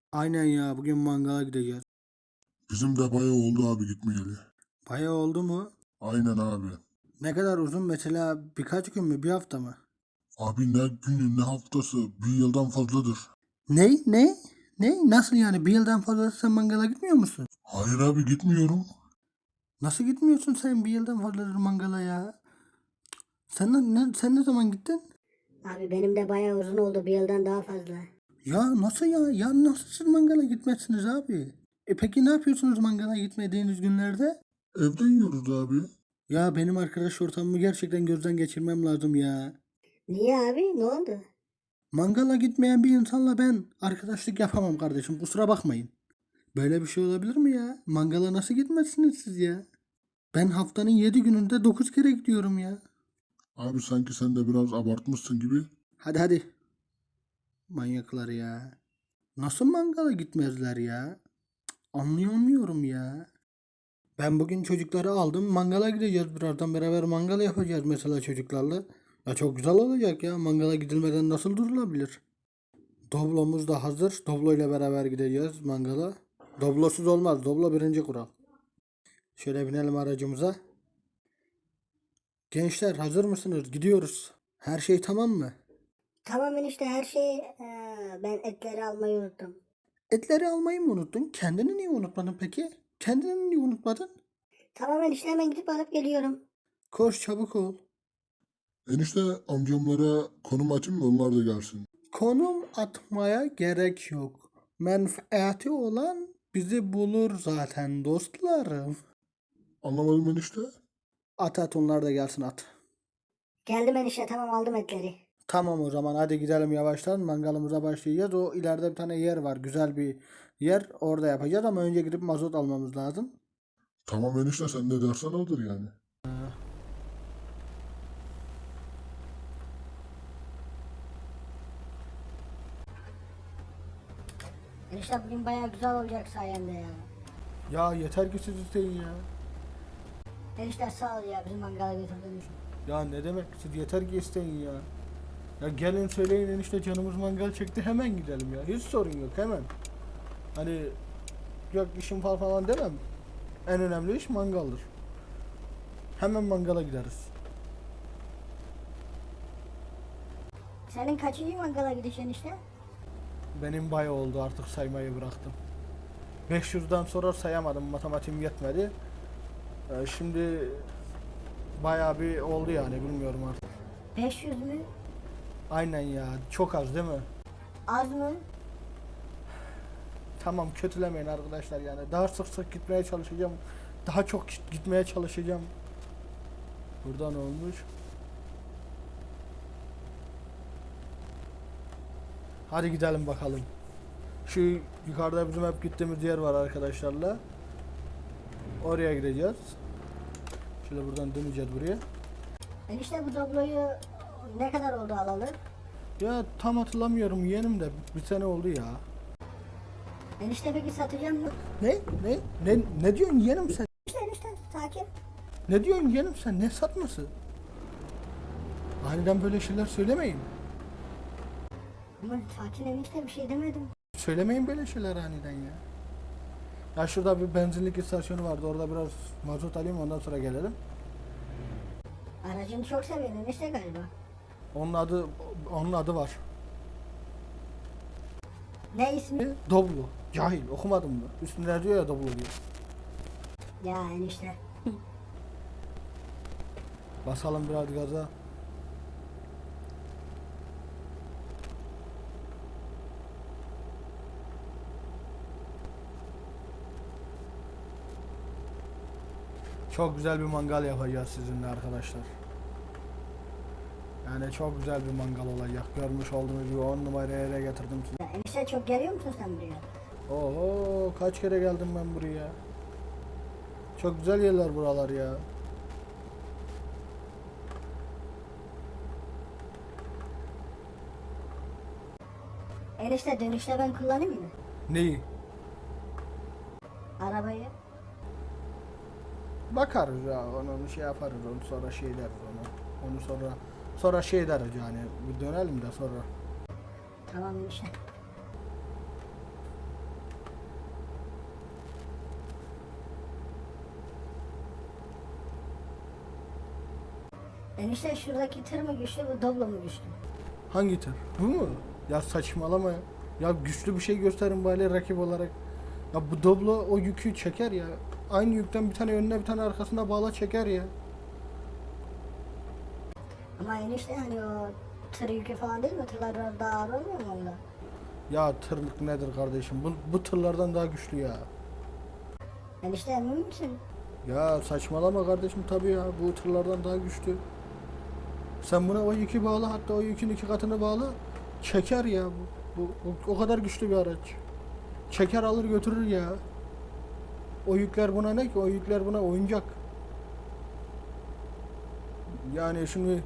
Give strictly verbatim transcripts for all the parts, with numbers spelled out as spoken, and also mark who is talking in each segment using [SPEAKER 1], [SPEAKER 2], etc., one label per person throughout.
[SPEAKER 1] Aynen ya, bugün mangala gideceğiz.
[SPEAKER 2] Bizim de bayağı oldu abi gitmeyeli.
[SPEAKER 1] Bayağı oldu mu?
[SPEAKER 2] Aynen abi.
[SPEAKER 1] Ne kadar uzun, mesela birkaç gün mü, bir hafta mı?
[SPEAKER 2] Abi ne günü ne haftası bir yıldan fazladır.
[SPEAKER 1] Ne? Ne? Ne? Nasıl yani? Bir yıldan fazla sen mangala gitmiyor musun?
[SPEAKER 2] Hayır abi gitmiyorum.
[SPEAKER 1] Nasıl gitmiyorsun sen bir yıldan fazladır mangala ya? Sen ne, sen ne zaman gittin?
[SPEAKER 3] Abi benim de bayağı uzun oldu, bir yıldan daha fazla.
[SPEAKER 1] Ya nasıl ya? Ya nasıl siz mangala gitmezsiniz abi? E peki ne yapıyorsunuz mangala gitmediğiniz günlerde?
[SPEAKER 2] Evde yiyoruz abi.
[SPEAKER 1] Ya benim arkadaş ortamımı gerçekten gözden geçirmem lazım ya.
[SPEAKER 3] Niye abi, ne oldu?
[SPEAKER 1] Mangala gitmeyen bir insanla ben arkadaşlık yapamam kardeşim, kusura bakmayın. Böyle bir şey olabilir mi ya? Mangala nasıl gitmezsiniz siz ya? Ben haftanın yedi gününde dokuz kere gidiyorum ya.
[SPEAKER 2] Abi sanki sen de biraz abartmışsın gibi.
[SPEAKER 1] Hadi hadi. Manyaklar ya. Nasıl mangala gitmezler ya? Anlayamıyorum ya. Ben bugün çocukları aldım. Mangala gideceğiz birazdan. Beraber mangal yapacağız mesela çocuklarla. Ya çok güzel olacak ya. Mangala gidilmeden nasıl durulabilir? Doblomuz da hazır. Doblo ile beraber gideceğiz mangala. Doblosuz olmaz. Doblo birinci kural. Şöyle binelim aracımıza. Gençler hazır mısınız? Gidiyoruz. Her şey tamam mı?
[SPEAKER 3] Tamam enişte, her şey eee, ben etleri almayı unuttum.
[SPEAKER 1] Etleri almayı mı unuttun? Kendini niye unutmadın peki? Kendini niye unutmadın?
[SPEAKER 3] Tamam enişte, hemen gidip alıp geliyorum.
[SPEAKER 1] Koş çabuk ol.
[SPEAKER 2] Enişte amcamlara konum açayım mı onlar da gelsin.
[SPEAKER 1] Konum atmaya gerek yok. Menfaati olan bizi bulur zaten dostlarım.
[SPEAKER 2] Anlamadım enişte.
[SPEAKER 1] At at, onlar da gelsin at.
[SPEAKER 3] Geldim enişte, tamam, aldım etleri.
[SPEAKER 1] Tamam, o zaman hadi gidelim yavaştan, mangalımıza başlayacağız. O ileride bir tane yer var, güzel bir yer, orada yapacağız ama önce gidip mazot almamız lazım.
[SPEAKER 2] Tamam enişte sen ne dersen odur yani.
[SPEAKER 3] Enişte bugün bayağı güzel olacak sayende ya.
[SPEAKER 1] Ya yeter ki siz isteyin ya.
[SPEAKER 3] Enişte sağ ol ya, bizim mangala götürdüğün için.
[SPEAKER 1] Ya ne demek, siz yeter ki isteyin ya. Ya gelin söyleyin enişte, canımız mangal çekti, hemen gidelim ya. Hiç sorun yok, hemen. Hani yok işim var falan demem. En önemli iş mangaldır. Hemen mangala gideriz.
[SPEAKER 3] Senin kaçıncı mangala gidiş enişte?
[SPEAKER 1] Benim bayağı oldu, artık saymayı bıraktım. beş yüzden sonra sayamadım, matematiğim yetmedi. Ee, şimdi bayağı bir oldu yani, bilmiyorum artık.
[SPEAKER 3] beş yüz mü?
[SPEAKER 1] Aynen ya, çok az değil mi?
[SPEAKER 3] Az mı?
[SPEAKER 1] Tamam, kötülemeyin arkadaşlar yani. Daha sık sık gitmeye çalışacağım. Daha çok gitmeye çalışacağım. Buradan olmuş. Hadi gidelim bakalım. Şu yukarıda bizim hep gittiğimiz yer var arkadaşlarla. Oraya gideceğiz. Şöyle buradan döneceğiz buraya.
[SPEAKER 3] Enişte bu dobloyu ne kadar oldu alalı?
[SPEAKER 1] Ya tam hatırlamıyorum yeğenim de, bir sene oldu ya.
[SPEAKER 3] Enişte peki satacağım mı?
[SPEAKER 1] Ne? Ne? Ne, ne diyorsun yeğenim sen?
[SPEAKER 3] Enişte enişte sakin.
[SPEAKER 1] Ne diyorsun yeğenim sen? Ne satması? Aniden böyle şeyler söylemeyin.
[SPEAKER 3] Ama sakin enişte, bir şey demedim.
[SPEAKER 1] Söylemeyin böyle şeyler aniden ya. Ya şurada bir benzinlik istasyonu vardı. Orada biraz mazot alayım, ondan sonra gelelim.
[SPEAKER 3] Aracını çok seviyorsun enişte galiba.
[SPEAKER 1] Onun adı onun adı var.
[SPEAKER 3] Ne ismi?
[SPEAKER 1] Doblo. Cahil, okumadın mı? Üstünde diyor ya Doblo diyor.
[SPEAKER 3] Ya enişte.
[SPEAKER 1] Basalım biraz gaza. Çok güzel bir mangal yapacağız sizinle arkadaşlar. Yani çok güzel bir mangal olacak. Görmüş olduğunuz gibi on numara yere getirdim sizi.
[SPEAKER 3] Ya enişte, çok geliyor musun sen buraya?
[SPEAKER 1] Oho, kaç kere geldim ben buraya. Çok güzel yerler buralar ya.
[SPEAKER 3] Enişte dönüşte ben kullanayım mı?
[SPEAKER 1] Neyi?
[SPEAKER 3] Arabayı.
[SPEAKER 1] Bakarız ya, onu şey yaparız, onu sonra şey deriz onu. Onu sonra sonra şey deriz yani, bir dönelim de sonra.
[SPEAKER 3] Tamam enişte. Enişte şuradaki tır mı güçlü, bu Doblo mu güçlü?
[SPEAKER 1] Hangi tır? Bu mu? Ya saçmalama ya. Ya güçlü bir şey gösterin bari rakip olarak. Ya bu Doblo o yükü çeker ya. Aynı yükten bir tane önüne bir tane arkasına bağla çeker ya.
[SPEAKER 3] Ama enişte hani o tır yükü falan değil mi? Tırlar biraz daha ağır olmuyor mu onda?
[SPEAKER 1] Ya tırlık nedir kardeşim? Bu, bu tırlardan daha güçlü ya.
[SPEAKER 3] Enişte emin misin?
[SPEAKER 1] Ya saçmalama kardeşim tabii ya. Bu tırlardan daha güçlü. Sen buna o yükü bağla, hatta o yükün iki katını bağla. Çeker ya bu. Bu, bu o kadar güçlü bir araç. Çeker alır götürür ya. O yükler buna ne ki? O yükler buna oyuncak. Yani şimdi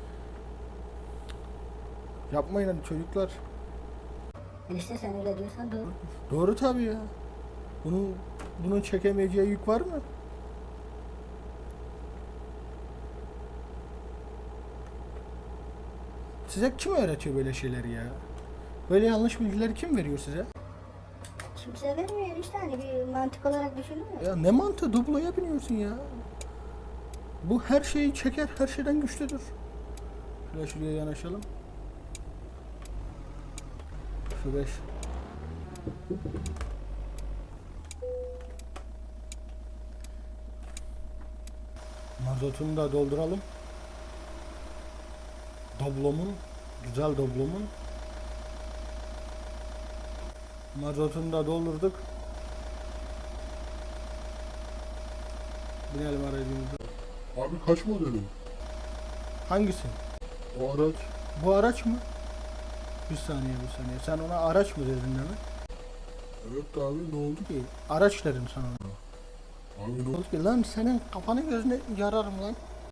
[SPEAKER 1] yapmayın hadi çocuklar.
[SPEAKER 3] Enişte sen öyle diyorsan doğru.
[SPEAKER 1] Doğru tabii ya. Bunun bunun çekemeyeceği yük var mı? Size kim öğretiyor böyle şeyleri ya? Böyle yanlış bilgileri kim veriyor size?
[SPEAKER 3] Kimse vermiyor enişte, hani bir mantık olarak düşünülmüyor.
[SPEAKER 1] Ya ne mantığı, dubloya biniyorsun ya. Bu her şeyi çeker, her şeyden güçlüdür. Şöyle şuraya yanaşalım. Şu beş. Mazotunu da dolduralım. Doblomun, güzel doblomun. Mazotunu da doldurduk. Binelim aracımıza.
[SPEAKER 2] Abi kaç modeli?
[SPEAKER 1] Hangisi?
[SPEAKER 2] O araç.
[SPEAKER 1] Bu araç mı? Bir saniye bir saniye. Sen ona araç mı dedin değil mi?
[SPEAKER 2] Evet abi, ne oldu?
[SPEAKER 1] Ki araç dedim sana.
[SPEAKER 2] Abi ne
[SPEAKER 1] Ne
[SPEAKER 2] oldu?
[SPEAKER 1] oldu ki? Lan senin kafanı gözüne yararım lan.